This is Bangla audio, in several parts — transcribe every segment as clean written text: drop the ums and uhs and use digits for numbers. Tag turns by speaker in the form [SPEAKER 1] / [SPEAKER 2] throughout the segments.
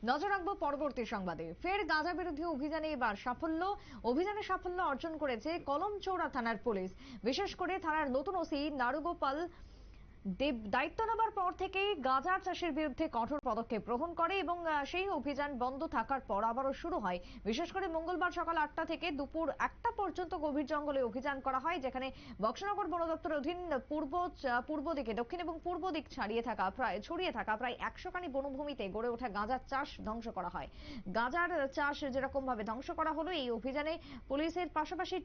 [SPEAKER 1] নজর রাখবো পরবর্তী সংবাদে। ফের গাঁজা বিরোধী অভিযানে এবার সাফল্য অর্জন করেছে কলমচৌড়া থানার পুলিশ। বিশেষ করে থানার নতুন ওসি নারুগোপাল দেব দায়িত্ব নেবার পর থেকেই গাঁজা চাষের বিরুদ্ধে কঠোর পদক্ষেপ গ্রহণ করে এবং সেই অভিযান বন্ধ থাকার পর আবারও শুরু হয়। বিশেষ করে মঙ্গলবার সকাল 8টা থেকে দুপুর 1টা পর্যন্ত গভীর জঙ্গলে অভিযান করা হয়, যেখানে বক্সনগর বন দপ্তরের অধীন পূর্ব দিকে, দক্ষিণ এবং পূর্ব দিক ছড়িয়ে থাকা প্রায় 100 খানি বনভূমিতে গড়ে ওঠা গাঁজার চাষ ধ্বংস করা হয়। গাঁজার চাষ যেরকম ভাবে ধ্বংস করা হলো, এই অভিযানে পুলিশের পাশাপাশি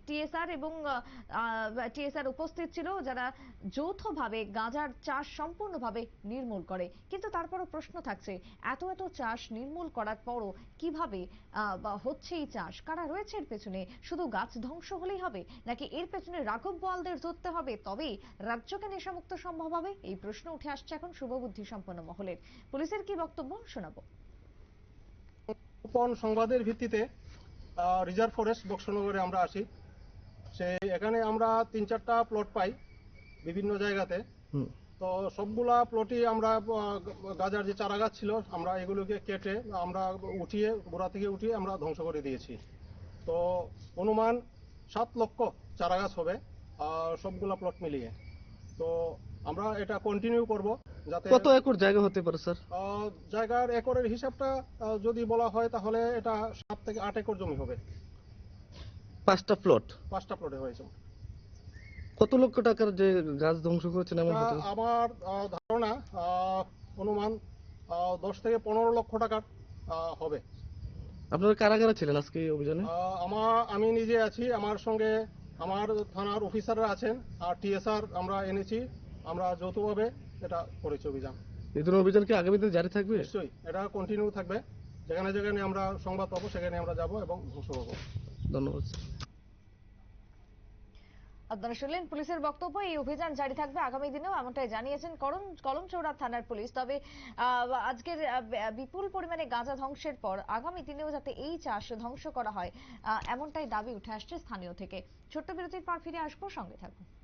[SPEAKER 1] টিএসআর উপস্থিত ছিল, যারা যৌথভাবে গাঁজার চাষ সম্পূর্ণভাবে নির্মূল করে। কিন্তু তারপরও প্রশ্ন থাকছে, এত চাষ নির্মূল করার পরও কিভাবে হচ্ছে এই চাষ? কারা রয়েছে এর পেছনে? শুধু গাছ ধ্বংস হলেই হবে, নাকি এর পেছনে রাঘব বোয়ালদের ধরতে হবে তবেই রাজ্যকে নেশামুক্ত সম্ভব হবে? এই প্রশ্ন উঠে আসছে এখন শুভবুদ্ধি সম্পন্ন মহলের। পুলিশের কি বক্তব্য শোনাবো।
[SPEAKER 2] গোপন সংবাদের ভিত্তিতে রিজার্ভ ফরেস্ট বক্সনগরে আমরা আসি। এখানে আমরা 3-4টা প্লট পাই বিভিন্ন জায়গাতে। তো সবগুলা প্লটই আমরা গাজার যে চারা গাছ ছিল, আমরা এগুলোকে কেটে আমরা গোড়া থেকে উঠিয়ে আমরা ধ্বংস করে দিয়েছি। তো অনুমান 7 লক্ষ চারা গাছ হবে সবগুলা প্লট মিলিয়ে। তো আমরা এটা কন্টিনিউ করব। যাতে
[SPEAKER 3] কত একর জায়গা হতে পারে স্যার?
[SPEAKER 2] জায়গার একরের হিসাবটা যদি বলা হয় তাহলে এটা 7 থেকে 8 একর জমি হবে।
[SPEAKER 3] 5টা
[SPEAKER 2] প্লটে হয়েছে।
[SPEAKER 3] কত লক্ষ টাকার যে গাছ ধ্বংস করেছেন এমন হতে?
[SPEAKER 2] আমার ধারণা অনুমান 10 থেকে 15 লক্ষ টাকার হবে।
[SPEAKER 3] আপনারা কারা কারা ছিলেন আজকে এই অভিযানে?
[SPEAKER 2] আমি নিজে আছি, আমার সঙ্গে আমার থানার অফিসাররা আছেন, আর টিএসআর আমরা এনেছি। আমরা যৌথভাবে এটা করেছি অভিযান।
[SPEAKER 3] এই ধরনের অভিযান কি আগামী দিনে জারি থাকবে?
[SPEAKER 2] নিশ্চয়ই এটা কন্টিনিউ থাকবে। যেখানে যেখানে আমরা সংবাদ পাবো সেখানে আমরা যাব এবং ধ্বংস করবো।
[SPEAKER 3] ধন্যবাদ।
[SPEAKER 1] আপনারা শুনলেন পুলিশের বক্তব্য। এই অভিযান জারি থাকবে আগামী দিনেও, এমনটাই জানিয়েছেন কলমচৌড়া থানার পুলিশ। তবে আজকের বিপুল পরিমাণে গাঁজা ধ্বংসের পর আগামী দিনেও যাতে এই চাষ ধ্বংস করা হয়, এমনটাই দাবি উঠে আসছে স্থানীয় থেকে। ছোট্ট বিরতির পর ফিরে আসবো, সঙ্গে থাকুন।